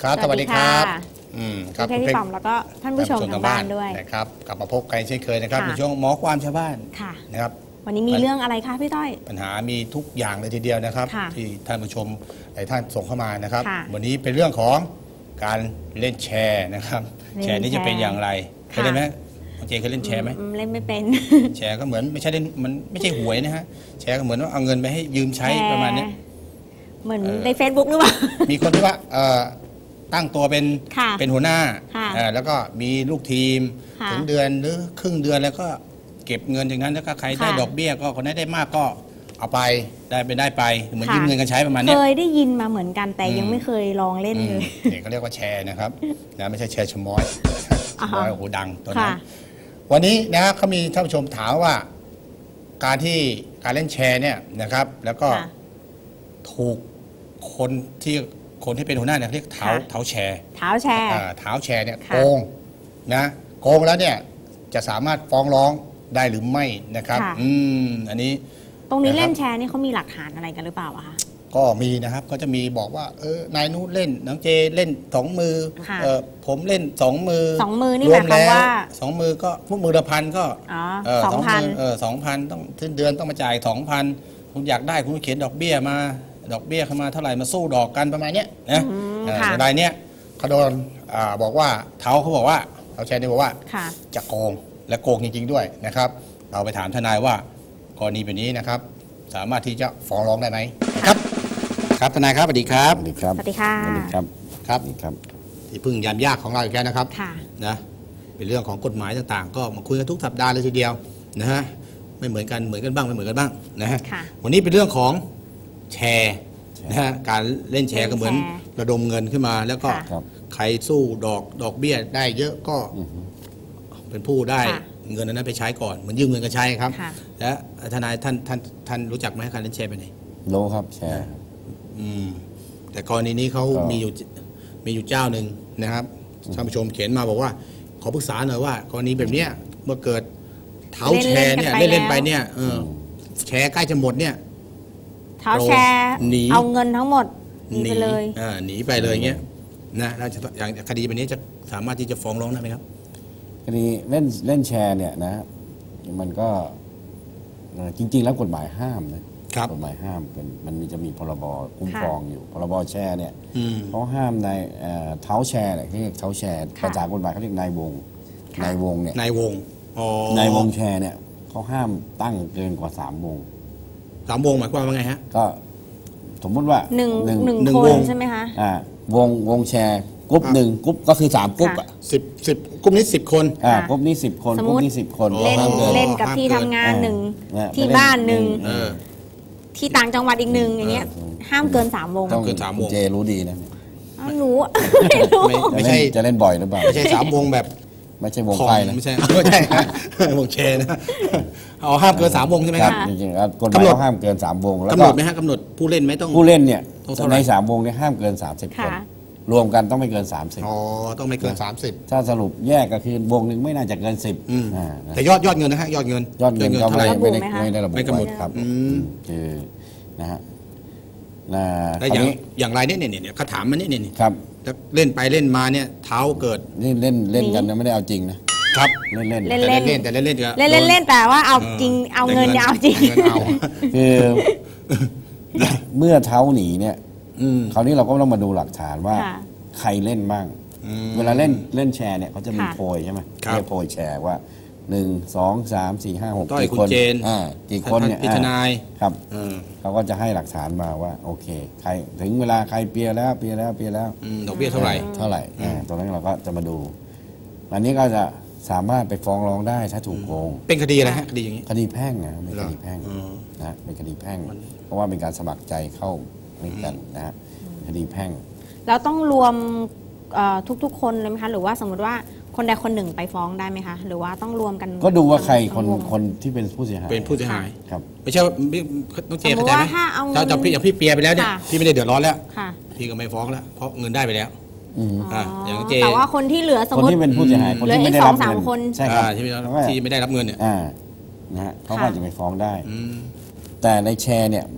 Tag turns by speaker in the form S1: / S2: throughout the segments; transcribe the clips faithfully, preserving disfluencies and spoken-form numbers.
S1: ครับสวัสดีครับ
S2: อืมครับคุณพี่ป๋อมแล้วก็ท่านผู้ชมทางบ้านด้วย
S1: นะครับกลับมาพบกันเช่นเคยนะครับในช่วงหมอความชาวบ้านนะครับ
S2: วันนี้มีเรื่องอะไรคะพี่ต้อย
S1: ปัญหามีทุกอย่างเลยทีเดียวนะครับที่ท่านผู้ชมหลายท่านส่งเข้ามานะครับวันนี้เป็นเรื่องของการเล่นแชร์นะครับแชร์นี้จะเป็นอย่างไรเคยเล่นไหมเจเคยเล่นแชร์ไหม
S2: เล่นไม่เป็น
S1: แชร์ก็เหมือนไม่ใช่เล่นมันไม่ใช่หวยนะฮะแชร์ก็เหมือนว่าเอาเงินไปให้ยืมใช้ประมาณนี้
S2: เหมือนใน Facebook หรือเปล่า
S1: มีคนที่ว่าตั้งตัวเป็นเป็นหัวหน้าแล้วก็มีลูกทีมถึงเดือนหรือครึ่งเดือนแล้วก็เก็บเงินจากนั้นแล้วก็ใครได้ดอกเบี้ยก็คนได้ได้มากก็เอาไปได้ไปได้ไปเหมือนยืมเงินกันใช้ประมาณนี้
S2: เคยได้ยินมาเหมือนกันแต่ยังไม่เคยลองเล่นเลย
S1: นี่เขาเรียกว่าแชร์นะครับนะไม่ใช่แชร์ชมอยชมอยโอ้โหดังตัวนั้นวันนี้นะครับเขามีท่านผู้ชมถามว่าการที่การเล่นแชร์เนี่ยนะครับแล้วก็ถูกคนที่คนที่เป็นหัวหน้าเนี่ยเรียกเท้าเท้าแชร์
S2: เท้าแชร์
S1: เท้าแชร์เนี่ยโกงนะโกงแล้วเนี่ยจะสามารถฟ้องร้องได้หรือไม่นะครับอืมอันนี้
S2: ตรงนี้เล่นแชร์นี่เขามีหลักฐานอะไรกันหรือเปล่าอะคะ
S1: ก็มีนะครับก็จะมีบอกว่าเออนายนู้นเล่นน้องเจเล่นสองมือเออผมเล่นสองมือ
S2: สองมือนี่หมายความว่า
S1: สองมือก็พวกมือละพันก็
S2: สองพัน
S1: เออสองพันต้องทิ้นเดือนต้องมาจ่ายสองพันคุณอยากได้คุณเขียนดอกเบี้ยมาดอกเบี้ยเข้ามาเท่าไหร่มาสู้ดอกกันประมาณนี้นะรายเนี้ยเขาโดนบอกว่าเท้าเขาบอกว่าเขาแชร์นี่บอกว่าจะโกงและโกงจริงๆด้วยนะครับเราไปถามทนายว่ากรณีแบบนี้นะครับสามารถที่จะฟ้องร้องได้ไหมครับครับทนายครับสวัสดีครับ
S3: สวัสดีครับ
S2: สวัสดีค่ะ
S3: สวัสดีครับ
S1: ครับครับที่พึ่งยามยากของเราอีกแล้วนะครับนะเป็นเรื่องของกฎหมายต่างๆก็มาคุยกันทุกสัปดาห์เลยทีเดียวนะฮะไม่เหมือนกันเหมือนกันบ้างไม่เหมือนกันบ้างนะฮะวันนี้เป็นเรื่องของแชร์นะฮะการเล่นแชร์ก็เหมือนระดมเงินขึ้นมาแล้วก็ใครสู้ดอกดอกเบี้ยได้เยอะก็เป็นผู้ได้เงินนั้นไปใช้ก่อนเหมือนยืมเงินกันใช้ครับและทนายท่านท่านท่านรู้จักไหมการเล่นแชร์ไปไหน
S3: รู้ครับแชร์
S1: อืมแต่กรณีนี้เขามีอยู่มีอยู่เจ้าหนึ่งนะครับท่านผู้ชมเขียนมาบอกว่าขอปรึกษาหน่อยว่ากรณีแบบเนี้ยเมื่อเกิดเท้าแชร์เนี่ยเล่นเล่นไปเนี่ยเออแชร์ใกล้จะหมดเนี่ย
S2: เท้าแชร์เอาเงินทั้งหมดหนีไปเลย
S1: อ่าหนีไปเลยเงี้ยนะแล้วอย่างคดีแบบนี้จะสามารถที่จะฟ้องร้องได้ไหมครับ
S3: คดีเล่นเล่นแชร์เนี่ยนะมันก็จริงๆแล้วกฎหมายห้ามนะกฎหมายห้ามเป็นมันมีจะมีพรบคุ้มครองอยู่พรบแชร์เนี่ยเขาห้ามในเท้าแชร์เนี่ยเรียกเท้าแชร์ภาษากฎหมายเขาเรียกนายวงนายวงเนี่ย
S1: นายวง
S3: นายวงแชร์เนี่ยเขาห้ามตั้งเกินกว่าสามวง
S1: สามวงหมายความว่าไงฮะ
S3: ก็สมมติว่า
S2: หนึ่งหนึ่งคนใช่ไหมคะ
S3: อ่าวงวงแชร์กรุ๊ปหนึ่งกรุ๊ปก็คือสามกรุ๊ปอ่ะ
S1: สิบสิบกรุ๊ปนี้สิบคน
S3: อ่ากรุ๊ปนี้สิบคนกรุ๊ปนี้สิบคน
S2: เล่นเล่นกับที่ทำงานหนึ่งที่บ้านหนึ่งที่ต่างจังหวัดอีกหนึ่งอย่างเงี้ยห้ามเกินสามวง
S1: ต้องเกินสามวง
S3: เจรู้ดีนะ
S2: หนู
S3: ไม่ใช่จะเล่นบ่อยหรือเปล่า
S1: ไม่ใช่สามวงแบบ
S3: ไม่ใช่วงไพ่นะ
S1: ไม่ใช่ไม่ใช่วงแชร์นะเอาห้ามเกินสามวงใช่ไหมครับ
S3: จริงๆครับกฎหมายห้ามเกินสามวง
S1: แล้วกำหนดไหมฮะกำหนดผู้เล่นไหมต้อง
S3: ผู้เล่นเนี่ยในสามวงเนี่ยห้ามเกินสามสิบคนรวมกันต้องไม่เกินสามสิบ
S1: อ๋อต้องไม่เกินสามสิบ
S3: ถ้าสรุปแยกก็คือวงหนึ่งไม่น่าจะเกินสิบ
S1: แต่ยอดยอดเงินนะฮะยอดเงิน
S3: ยอดเงินก็ไม่ได้ไม่ได้ระบุ
S1: ไม่กำหนด
S3: ครับคือนะฮะ
S1: แต่อย่างอย่างไรเนี่ยเนี่ยเนี่ยเขาถามมันเนี่ยเนี่ย
S3: ครับ
S1: เล่นไปเล่นมาเนี่ยเท้าเกิด
S3: เล่นเล่นเล่นกันนะไม่ได้เอาจริงนะครับเล่นเล่น
S2: เล่นเล่น
S1: แต่เล่นเล่น
S2: เล่นเล่นเล่นแต่ว่าเอาจริงเอาเงินเอาจริง
S3: คือเมื่อเท้าหนีเนี่ยคราวนี้เราก็ต้องมาดูหลักฐานว่าใครเล่นบ้างเวลาเล่นเล่นแชร์เนี่ยเขาจะมีโพยใช่ไหมเรียกโพยแชร์ว่าหนึ่งสองสามสี่ห้าหกกี่คนอ่ากี่คนเนี่ย
S1: พิจารณา
S3: ครับเขาก็จะให้หลักฐานมาว่าโอเคใครถึงเวลาใครเปียแล้วเปียแล้วเปียแล้ว
S1: ดอกเบี้ยเท่าไหร่
S3: เท่าไหร่ตรงนั้นเราก็จะมาดูอันนี้ก็จะสามารถไปฟ้องร้องได้ถ้าถูกโกง
S1: เป็นคดีอะไรฮะคดีอย่างนี้
S3: คดีแพ่งนะเป็นคดีแพ่งนะเป็นคดีแพ่งเพราะว่าเป็นการสมัครใจเข้าด้วยกันนะคดีแพ่ง
S2: แล้วต้องรวมทุกๆคนเลยไหมคะหรือว่าสมมติว่าคนใดคนหนึ่งไปฟ้องได้ไหมคะหรือว่าต้องรวมกัน
S3: ก็ดูว่าใครคนคนที่เป็นผู้เสียหาย
S1: เป็นผู้เสียหาย
S3: ครับ
S1: ไม่ใช่ต้องเจเข้าใจไหมถ้าจะพี่อย่างพี่เปียไปแล้วเนี่ยพี่ไม่ได้เดือดร้อนแล้วพี่ก็ไม่ฟ้องแล้วเพราะเงินได้ไปแล้ว
S2: อย่างเจแต่ว่าคนที่เหลือสมมติ
S3: คนที่เป็นผู้เสียหายคนที่ไม่ได้รับเงิน
S2: ใช่
S1: ครับที่ไม่ได้รับเงินเนี่ย
S3: นะฮะเขาก็จะไปฟ้องได้แต่ในแชร์เนี่ย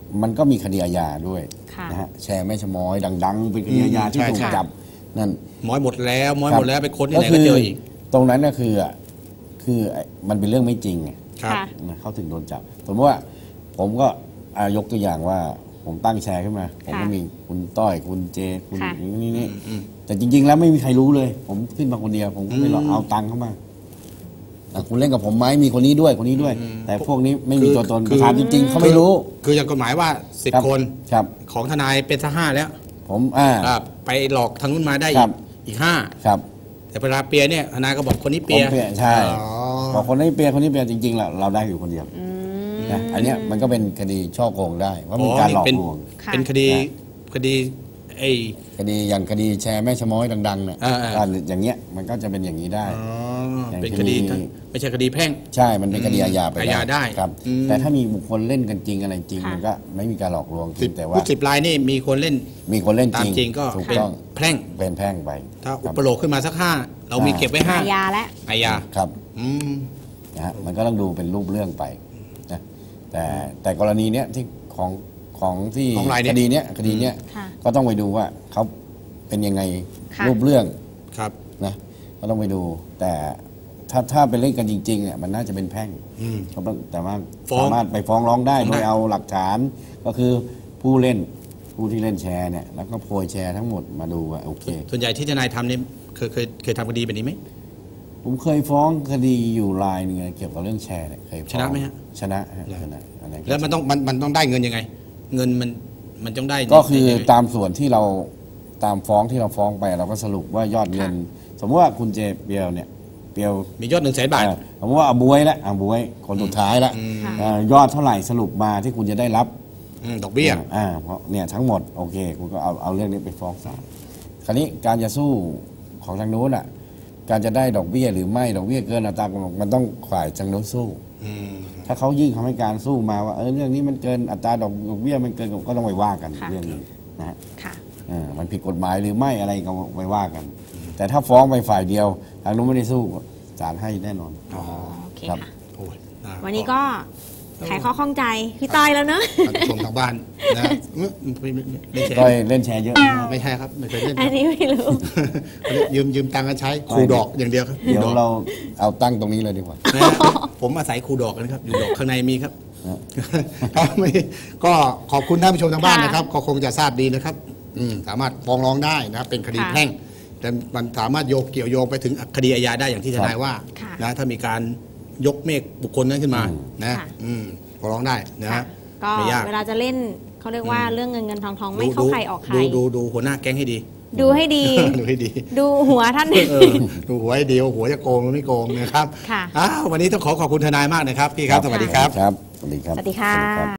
S3: มันก็มีคดีอาญาด้วย
S2: ค่ะ
S3: นะฮะแชร์แม่ชะม้อยดัง ๆ เป็นคดีอาญาที่
S1: ใช่
S3: ถูก
S1: ใช่
S3: จับนั่น
S1: ม้อยหมดแล้วม้อย
S3: ครับ
S1: หมดแล้วไปค้นที่ไหนก็เจออีก
S3: ตรงนั้นก็คืออ่ะคือไอ้มันเป็นเรื่องไม่จริงไง
S1: ครับ
S2: ค่ะ
S3: นะเขาถึงโดนจับสมมติว่าผมก็อ่ายกตัวอย่างว่าผมตั้งแชร์ขึ้นมา ผมก็
S2: ค่ะ
S3: มีคุณต้อยคุณเจคุณ
S2: ค่ะ
S3: นี่นี่
S1: อืม
S3: แต่จริง ๆ แล้วไม่มีใครรู้เลย ผมขึ้นมาคนเดียว ผมก็ไม่หรอกเอาตังค์เข้ามาอ่ะคุณเล่นกับผมไหมมีคนนี้ด้วยคนนี้ด้วย แต่พวกนี้ไม่มีตัวตน
S1: คือ
S3: ประธานจริง ๆเขาไม่รู้
S1: คืออย่างกฎหมายว่าสิบ
S3: รับ
S1: คน
S3: ครับ
S1: ของทนายเป็นสักห้าแล้ว
S3: ผมอ่า
S1: อ่าไปหลอกทางนู้นมาได้
S3: ค
S1: อี
S3: รั
S1: ก
S3: บ
S1: อีกห้า
S3: ครับ
S1: แต่เวลาเปียเนี่ยทนายก็บอกคนนี้
S3: ผ
S1: เปี
S3: ม
S1: ย
S3: เปียใช่
S1: อ๋อ
S3: พอคนนี้เปียคนนี้เปียจริงๆเราเราได้อยู่คนเดียว
S2: อืม
S3: นะอันเนี้ยมันก็เป็นคดีช่อโกงได้ว่ามีการหลอก
S1: เป็น
S3: ลวง
S2: ค่ะ
S1: เป็นคดี
S3: นะ
S1: คดีไอ้
S3: คดีอย่างคดีแชร์แม่ชะม้อยดังๆเนี่ย
S1: อ่าๆ
S3: อ่าอย่างเงี้ยมันก็จะเป็นอย่างนี้ได้
S1: อ๋อ
S3: อย่าง
S1: เป็น
S3: ค
S1: ค
S3: ดี
S1: ดีไม่ใช่คดีแพ่ง
S3: ใช่มันเป็นคดีอาญาไป
S1: อาญาได้
S3: ครับ
S1: อืม
S3: แต่ถ้ามีบุคคลเล่นกันจริงอะไรจริง
S2: ค่ะ
S3: มันก็ไม่มีการหลอกลวง
S1: สิบ
S3: แต่
S1: ผู้
S3: ว่า
S1: สิบรายนี่มีคนเล่น
S3: มีคนเล่น
S1: ตา
S3: จ
S1: ม
S3: ริง
S1: จริงก็
S3: ถูก
S1: เป็น
S3: ต้อง
S1: แพ่ง
S3: เป็นแพ่งไป
S1: ถ้า
S3: ค
S1: อุ
S3: รับ
S1: ปโลกขึ้นมาสักห้าเรามี
S3: อ่า
S1: เก็บไว้ห้า
S2: อาญาและ
S1: อาญา
S3: ครับ
S1: อืม
S3: นะฮะมันก็ต้องดูเป็นรูปเรื่องไปนะแต่แต่กรณีเนี้ยที่ของของที่
S1: ของรายเนี้
S3: ค
S1: ย
S3: ดีเนี้ยคดีเนี้ย
S2: ค่ะ
S3: ก็ต้องไปดูว่าเขาเป็นยังไง
S2: ค่ะ
S3: รูปเรื่อง
S1: ครับ
S3: นะก็ต้องไปดู แต่ถ้าถ้าเป็นเล่นกันจริงๆเนี่ยมันน่าจะเป็นแพ่ง
S1: อืม
S3: ก็ต้องแต่ว่า
S1: ฟ้อง
S3: สามารถไปฟ้องร้องได้
S1: ฟ้อง
S3: โด
S1: ได้
S3: ยเอาหลักฐานก็คือผู้เล่นผู้ที่เล่นแชร์เนี่ยแล้วก็โพยแชร์ทั้งหมดมาดูว่าโอเค
S1: ส่วนใหญ่ที่ทนายทำเนี่ยเคยเคยเคยทำคดีแบบนี้ไหม
S3: ผมเคยฟ้องคดีอยู่รายหนึงเกี่ยวกับเรื่องแชร์เนี่ยเคยฟ้อง
S1: ชนะไหมฮะ
S3: ชนะฮะชนะอะไรก็
S1: แล้วมันต้องมันมันต้องได้เงินยังไง เงินมันมันต้องได้
S3: ก็คือ
S1: ยังไง
S3: ตามส่วนที่เราตามฟ้องที่เราฟ้องไปเราก็สรุปว่ายอดเงิน สมมติว่าคุณเจเปียวเนี่ยเปียว
S1: มียอดหนึ่งแสนบาท
S3: อ่าสมมติว่าอาบวยละอาบวยคนสุดท้ายละ
S2: ค่ะ
S3: อ่ายอดเท่าไหร่สรุปมาที่คุณจะได้รับ
S1: อืมดอกเบี้ย
S3: อ่าเพราะเนี่ยทั้งหมดโอเค คุณก็เอาเอาเรื่องนี้ไปฟ้องศาลคราวนี้การจะสู้ของทางโน้นอ่ะ การจะได้ดอกเบี้ยหรือไม่ดอกเบี้ยเกินอัตรากำหนดมันต้องฝ่ายทางโน้นสู้
S1: อืม
S3: ถ้าเขายื่นคำให้การสู้มาว่าเออเรื่องนี้มันเกินอัตราดอกดอกเบี้ยมันเกินก็ต้องไปว่ากัน
S2: ค่ะ
S3: เรื่องนี้นะฮะ
S2: ค่ะ
S3: เออมันผิดกฎหมายหรือไม่อะไรก็ไปว่ากัน แต่ถ้าฟ้องไปฝ่ายเดียว ทางนู้นไม่ได้สู้ศาลให้แน่นอน
S1: อ๋อ
S2: โอเค
S3: ครับ
S2: ค่ะ
S1: โอ้ยอ่า
S2: วันนี้ก็ไขข้อข้องใจพี่ต้อยแล้วเนอะ
S1: ท่านผู้ชมทางบ้านนะไม่ไม่ไม่ใช่
S3: ก็เล่นแชร์เยอะมาก
S1: ไม่ใช่ครับไม่เคยเล่น
S2: อันนี้ไม่รู้
S1: ยืมยืมตังค์กันใช้ครูดอกอย่างเดียวครับ
S3: เดี๋ยว
S1: คดอก
S3: เราเอาตั้งตรงนี้เลยดีกว่า
S1: นะฮะผมอาศัยครูดอกนะครับอยู่ดอกข้างในมีครับ ครับไม่ก็ขอบคุณท่านผู้ชมทางบ้าน
S2: ค่ะ
S1: นะครับ ก็คงจะทราบดีนะครับอืมสามารถฟ้องร้องได้นะครับเป็นคดี
S2: ค่ะ
S1: แพ่ง แต่มันสามารถโยงเกี่ยวโยงไปถึงคดีอาญาได้อย่างที่ทนายว่า
S2: ค่ะ
S1: นะถ้ามีการยกเมฆบุคคลนั้นขึ้นมา
S3: อืม
S1: นะ
S2: ค่ะ
S1: อืมฟ้องร้องได้นะ
S2: ค่ะ
S1: ฮะ
S2: ก็
S1: ไม่ยาก
S2: เวลาจะเล่นเขาเรียกว่าเรื่องเงินเงินทองทองไม่เข้าใครออกใคร
S1: ดูดูดูหัวหน้าแก๊งให้ดี
S2: ดูให้ดี
S1: ดูให้ดี
S2: ดูหัวท่าน
S1: เออดูหัวให้ดีว่าหัวจะโกงหรือไม่โกงนะครับ
S2: ค่ะ
S1: อ้าววันนี้ต้องขอขอบคุณทนายมากนะครับพี่ครับสวัสดีครับ
S3: ครับสวัสดีครับ
S2: สวัสดีค่ะ
S3: สวัสดีครับ